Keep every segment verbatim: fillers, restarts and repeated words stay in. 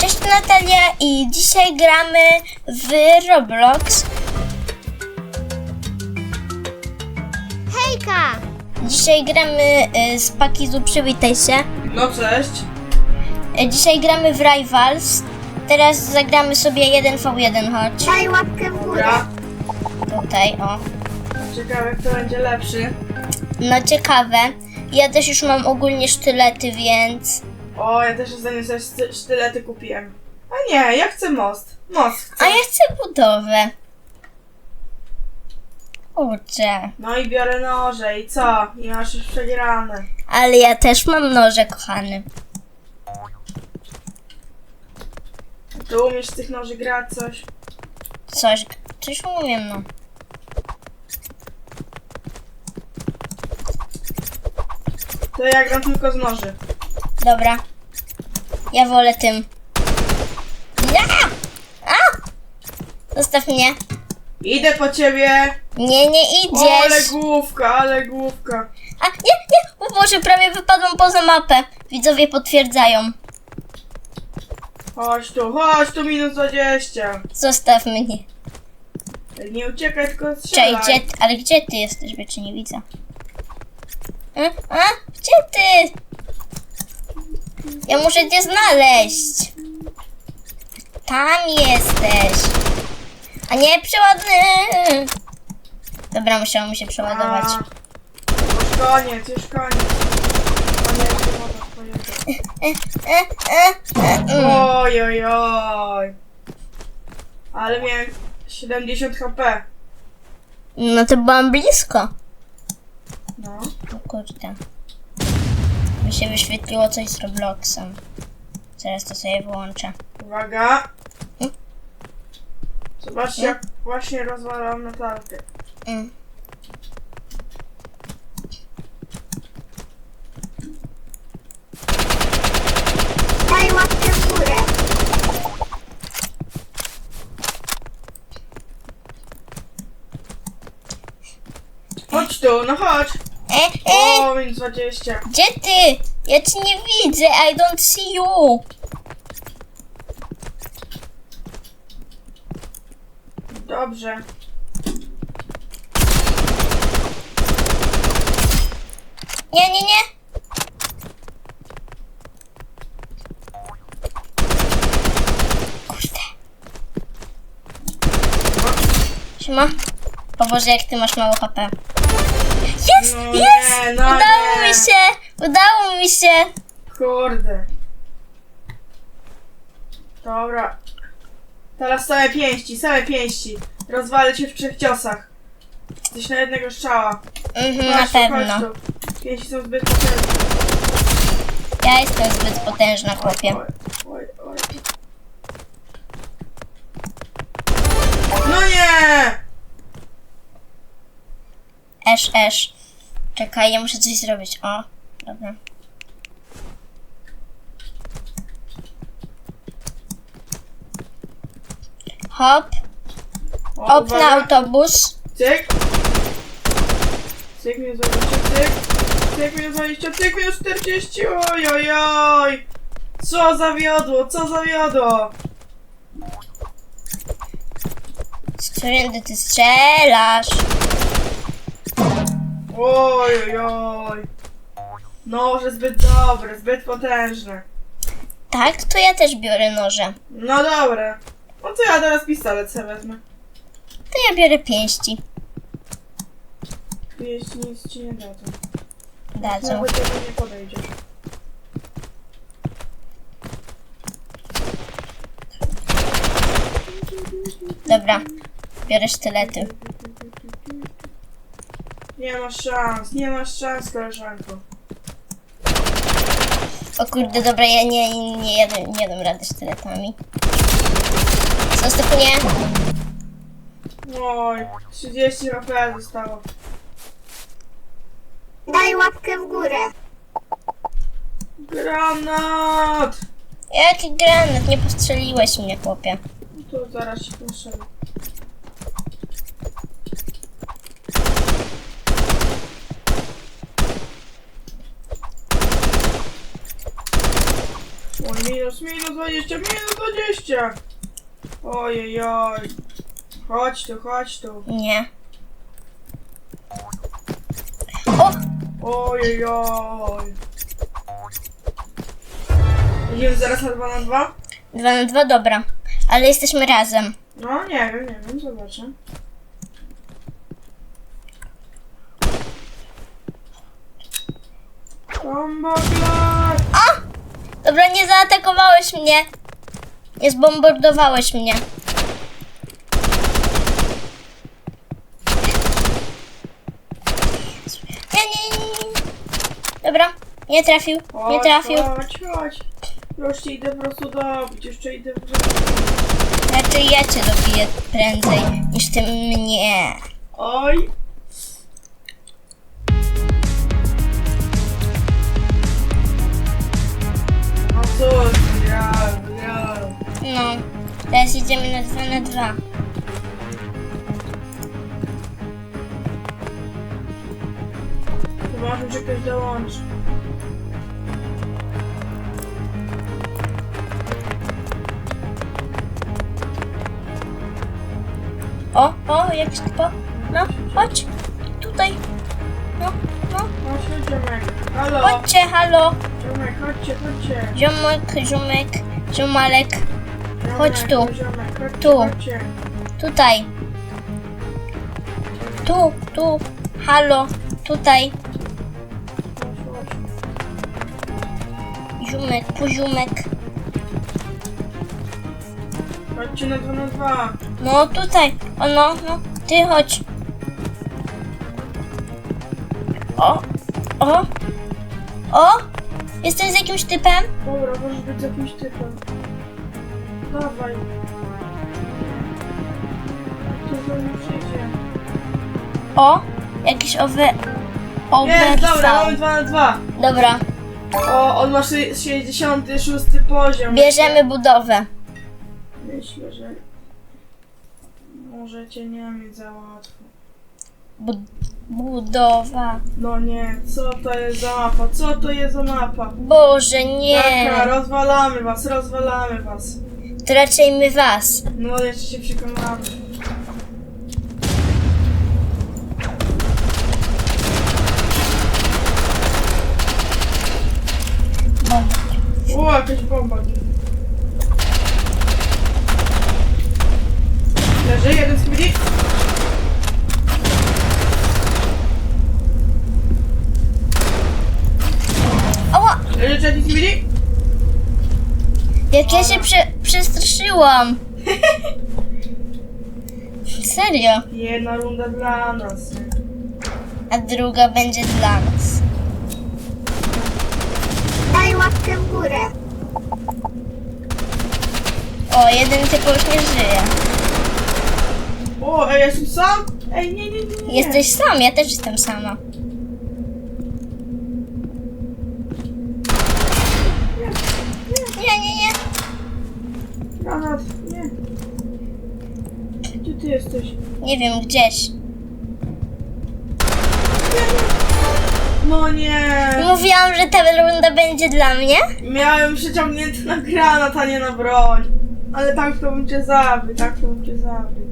Cześć, Natalia i dzisiaj gramy w Roblox. Hejka! Dzisiaj gramy y, z Pakizu, przywitaj się. No cześć. Y, dzisiaj gramy w Rivals. Teraz zagramy sobie jeden v jeden, chodź. Daj łapkę w górę. Dobra. Tutaj, o. Ciekawe, kto będzie lepszy. No ciekawe. Ja też już mam ogólnie sztylety, więc... O, ja też ostatnio sobie szty- sztylety kupiłem. A nie, ja chcę most. Most chcę. A ja chcę budowę. Kurczę. No i biorę noże i co? I masz już przegrane. Ale ja też mam noże, kochany. Ty umiesz z tych noży grać coś? Coś, coś umiem, no. To ja gram tylko z noży. Dobra. Ja wolę tym. Ja! A! Zostaw mnie. Idę po ciebie. Nie, nie O, ale idziesz. główka, ale główka. A, nie, nie. O Boże, prawie wypadłam poza mapę. Widzowie potwierdzają. Chodź tu, chodź tu, minus dwadzieścia. Zostaw mnie. Nie uciekaj, tylko Cześć, strzelaj. gdzie, ale gdzie ty jesteś, bo cię nie widzę. A, a? Gdzie ty? Ja muszę cię znaleźć. Tam jesteś. A nie, przeładny. Dobra, musiało mi się przeładować. A, Już koniec, już koniec. Koniec, woda, koniec. E, e, e, mm. Oj, oj, oj. Ale miałem siedemdziesiąt HP. No to byłam blisko. No. O kurde. Mi się wyświetliło coś z Robloxem. Zaraz to sobie wyłączę. Uwaga. Hmm? Zobaczcie, jak właśnie rozwalam Natalkę. Mm. Daj łapkę w górę. Chodź tu, no chodź. E, e, O, minus dwadzieścia. gdzie ty? Ja cię nie widzę. I don't see you. Dobrze. Nie, nie, nie. Kurde. Siema. O Boże, jak ty masz mało H P. Jest, No jest! nie, no Udało nie. mi się! Udało mi się! Kurde. Dobra. Teraz same pięści, same pięści. Rozwalę cię w trzech ciosach. Jesteś na jednego strzała. Mhm, na Chodź tu, pewno. chodź tu. Pięści są zbyt potężne. Ja jestem zbyt potężna, chłopie. Oj, oj, oj. No nie! Esz, esz. Czekaj, ja muszę coś zrobić. O, dobra. Hop, O, hop na uwaga. autobus. Cyk. Cyk minus dwadzieścia, cyk. Cyk minus dwadzieścia, cyk minus czterdzieści. Oj, oj, oj. Co zawiodło, co zawiodło? Z którym ty strzelasz? Oj, oj, oj. Noże zbyt dobre, zbyt potężne. Tak, to ja też biorę noże. No dobra. No to ja teraz pistolet sobie wezmę. To ja biorę pięści. Jeśli nic ci nie dadzą. Dadzą. Nawet do mnie nie podejdziesz. Dobra, biorę sztylety. Nie masz szans, nie masz szans, koleżanko. O kurde, dobra, ja nie, nie, nie, jadę, nie dam rady sztyletami. Zostaw mnie. Oj, trzydzieści H P zostało. Daj łapkę w górę. Granat! Jaki granat, nie postrzeliłeś mnie, chłopie. Tu zaraz się postrzelę. O, minus minus, minus dwadzieścia, minus dwadzieścia. Ojej, chodź tu, chodź tu. Nie. O! Ojej. Idziemy zaraz na dwa na dwa? Dwa na dwa, dobra. Ale jesteśmy razem. No nie wiem, nie wiem, zobaczę. Bomba klat! A! Dobra, nie zaatakowałeś mnie. Nie zbombardowałeś mnie. Nie, nie, nie, nie. Dobra, nie trafił, nie Chodź, trafił. Chodź, chodź. Już cię idę po prostu dobić, jeszcze idę po prostu... Raczej ja cię dobiję prędzej niż ty mnie. Oj! No co? Ja, ja. No, teraz idziemy na dwa na dwa. Zobaczmy, czy ktoś dołączy. O, o, jakiś typo. No, chodź. Tutaj. No, no. No się, ziomek. Halo? Chodźcie, halo. Ziomek, chodźcie, chodźcie. Ziomek, ziomek, ziomalek. Ziomek, Chodź tu. Ziomek, chodźcie, Tu. chodźcie. Tutaj. Tu, tu. Halo. Tutaj. Chodź, chodź. Ziomek, poziomek. Chodźcie na dwa na dwa. No, tutaj. O, no, no. Ty chodź. O, o. O. Jestem z jakimś typem. Dobra, możesz być z jakimś typem. Dawaj. Tu za mną przyjdzie. O. Jakiś owe... Nie, dobra, Overfall. mamy dwa na dwa. Dobra. O, on ma szy- sześćdziesiąty szósty poziom. Bierzemy budowę. Myślę, że możecie nie mieć za łatwo. Bu budowa. No nie, co to jest za mapa? Co to jest za mapa? Boże, nie. Taka, rozwalamy was, rozwalamy was. To raczej my was. No, jeszcze się przekonamy. Bomba. O, jakaś bomba. Leży, jeden z chwili. Ała! Leży trzeci z chwili. Jak ja się prze przestraszyłam. Serio. Jedna runda dla nas. A druga będzie dla nas. Daj łapkę w górę. O, jeden typ już nie żyje. O, ej, ja jestem sam? Ej, nie, nie, nie, nie. Jesteś sam, ja też jestem sama. Nie, nie, nie. Granat, nie. Gdzie ty jesteś? Nie wiem, gdzieś. No nie. Mówiłam, że ta runda będzie dla mnie. Miałem przyciągnięty na granat, a nie na broń. Ale tak to bym cię zabił, tak to bym cię zabił.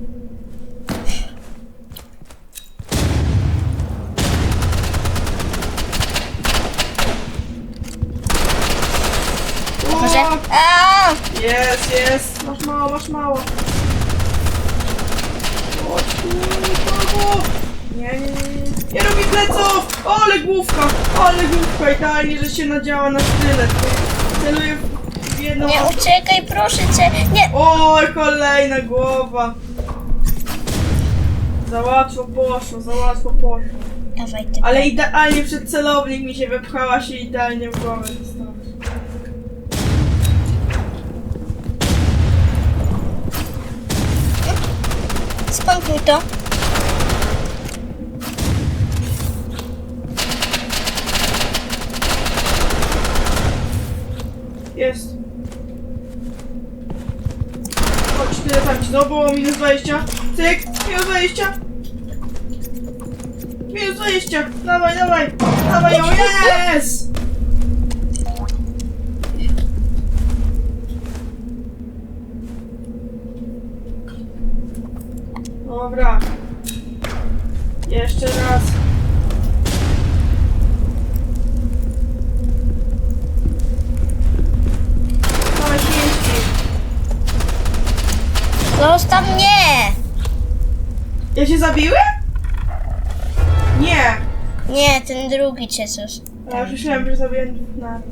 O, Może... A! Jest, jest. Masz mało, masz mało. Chodź tu, brawo. Nie, nie, nie, nie. Nie robi pleców! O, ale główka! O, ale główka! Idealnie, że się nadziała na sztylet. Celuję w jedną... Nie uciekaj, proszę cię. Nie. Oj, kolejna głowa. Za łatwo poszło, za łatwo poszło. Dawaj ty. Ale idealnie przed celownik mi się wepchała się idealnie w głowę została. Skąd mi to? Jest. Chodź, tyle tam ci było minus dwadzieścia. Cyk, minus dwadzieścia. Minus dwadzieścia. Dawaj, dawaj. Dawaj ją, jest! Dobra. Jeszcze raz. Same pięści. Zostaw mnie! Ja się zabiłem? Nie. Nie, ten drugi cię coś. Ja już myślałem, że zabiłem dwóch naraz.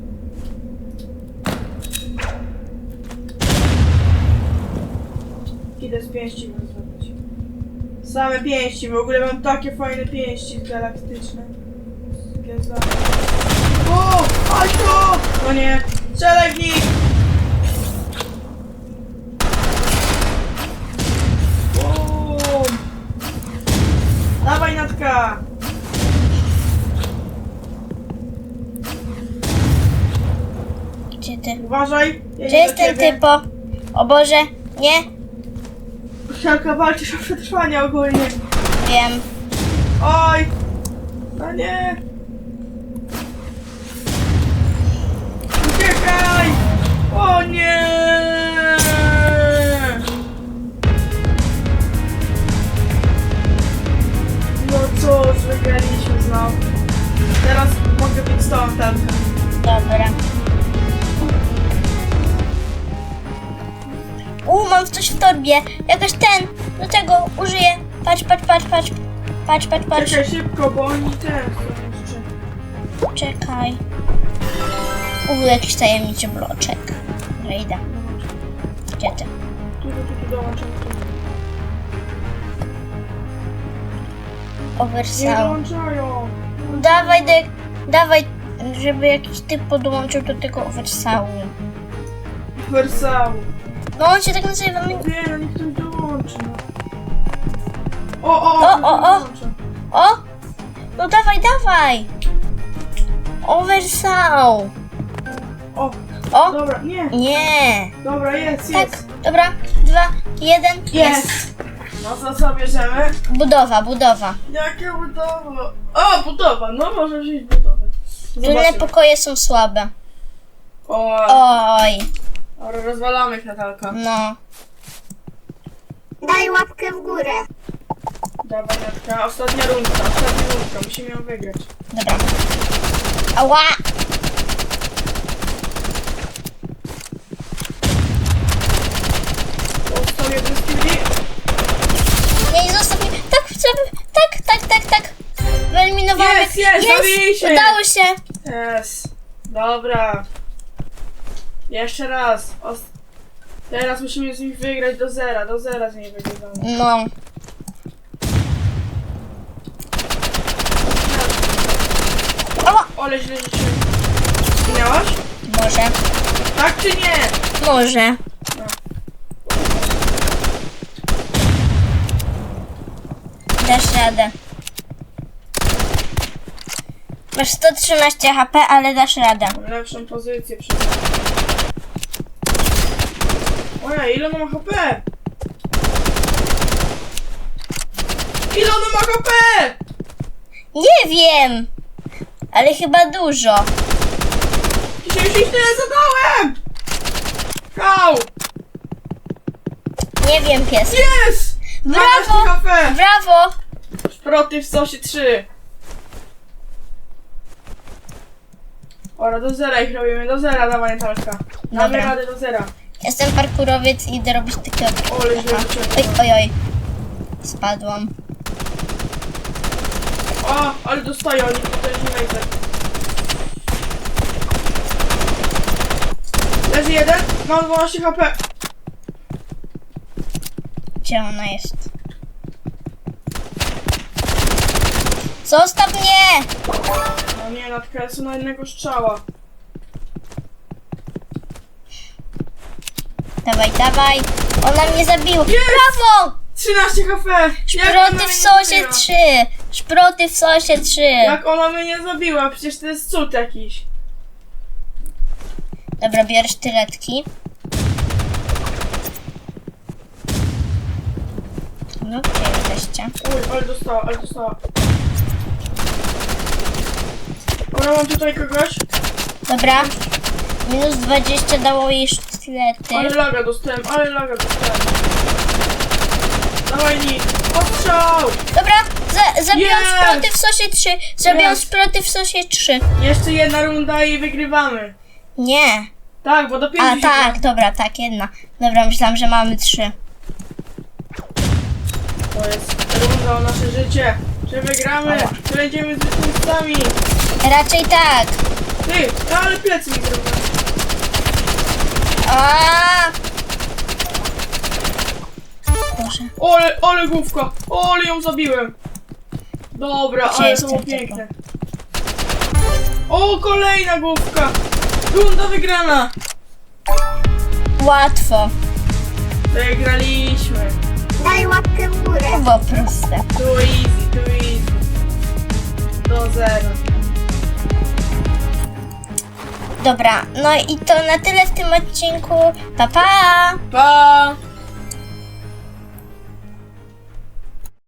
Idę z pięści mam zrobić. Same pięści, w ogóle mam takie fajne pięści galaktyczne. Takie za... O! Aśko! No nie! Strzelaj w nich! O! Dawaj, Natka! Gdzie ty? Uważaj! Ja Gdzie idę jest do ten ciebie. typo? O Boże, nie? Siarka, walczysz o przetrwanie ogólnie. Wiem. Oj! No nie! Uciekaj! O nie! No cóż, wygraliśmy znowu. Teraz mogę być z tą Telka. Dobra. U, mam coś w torbie. Jakoś ten, do tego użyję. Patrz, patrz, patrz, patrz. Patrz, patrz, patrz. Czekaj szybko, bo oni też są jeszcze. Czekaj. U, jakiś tajemniczy bloczek. Dobra, idę. Gdzie ty? Tu, tu, tu, tu dołączam. Tu. Nie Oversaw. dołączają! Dawaj, de, dawaj, żeby jakiś typ podłączył do tego oversawu. Wersał. No on się tak nazywa. my- Nie, no niech ktoś dołączy. No. O, o, O, ktoś o, o. dołącza. O! No dawaj, dawaj! Oversaw. O, O! dobra, nie. Nie! Dobra, jest, Tak, jest. dobra, dwa, jeden, Jest. No co, co bierzemy? Budowa, budowa. Jakie budowa? O, budowa, no może wziąć budowę. Tylne Zobaczymy. pokoje są słabe. O, Oj, dobra, rozwalamy Natalka. no. Daj łapkę w górę. Dawaj, Natka, ostatnia rundka, ostatnia rundka, musimy ją wygrać. Dobra. Ała! Został jeden z killi. Nie, nie zostaw mnie. Tak, chcę. Tak, tak, tak, tak. Wyeliminowałem. Jest, jest, zabili się. Udało się. Jest. Dobra. Jeszcze raz. Os- Teraz musimy z nich wygrać do zera, do zera z nich wygrywamy. No. Ała! Ole, źle rzuciłem. Zginęłaś? Może. Tak czy nie? Może. No. Dasz radę. Masz sto trzynaście H P, ale dasz radę. Mam lepszą pozycję przez... Ojej, ile ona ma H P? Ile ona ma H P? Nie wiem. Ale chyba dużo. Dzisiaj już ich tyle zadałem! Kał! Nie wiem, pies. Jest! Brawo! H P! Brawo! Szproty w sosie trzy. Ora, do zera ich robimy, do zera, dawaj Natalka. Damy Dobra. radę do zera. Jestem parkurowiec i idę robić takiego. Ole, źle Oj, rzuciłem. oj, oj. Spadłam. O, ale dostają oni, to też nie wejdę. Leży jeden, mam dwanaście H P. Gdzie ona jest? Zostaw mnie! No nie, Natka, jest na jednego strzała. Dawaj, dawaj. Ona mnie zabiła. Jest! Brawo! trzynaście H P! Jak ona Szproty mnie w nie sosie zabiła? trzy. Szproty w sosie trzy. Jak ona mnie nie zabiła? Przecież to jest cud jakiś. Dobra, biorę sztyletki. No, gdzie jesteście? Uj, ale dostała, ale dostała. Ona, mam tutaj kogoś. Dobra. Minus dwadzieścia dało jej sztylety. Ale laga dostałem, ale laga dostałem. Dawaj, Nick. Ostrzał! Dobra, za, zabiłam Jest! sploty w sosie trzy. Zabiłam Jest! sploty w sosie trzy. Jeszcze jedna runda i wygrywamy. Nie. Tak, bo do pięciu A się tak, dobra, tak, jedna. Dobra, myślałam, że mamy trzy. To jest runda o nasze życie. Czy wygramy? Ała. Czy będziemy zwycięzcami? Raczej tak. Ty, ale plecy mi zrobią. A. Boże. Ole, ole główka. Ole ją zabiłem. Dobra, Gdzie ale jest to było ten piękne. O, kolejna główka. Runda wygrana. Łatwo. Wygraliśmy. Daj łapkę w górę. To było proste. Tu easy, tu easy. Do zera. Dobra, no i to na tyle w tym odcinku. Pa, pa! Pa!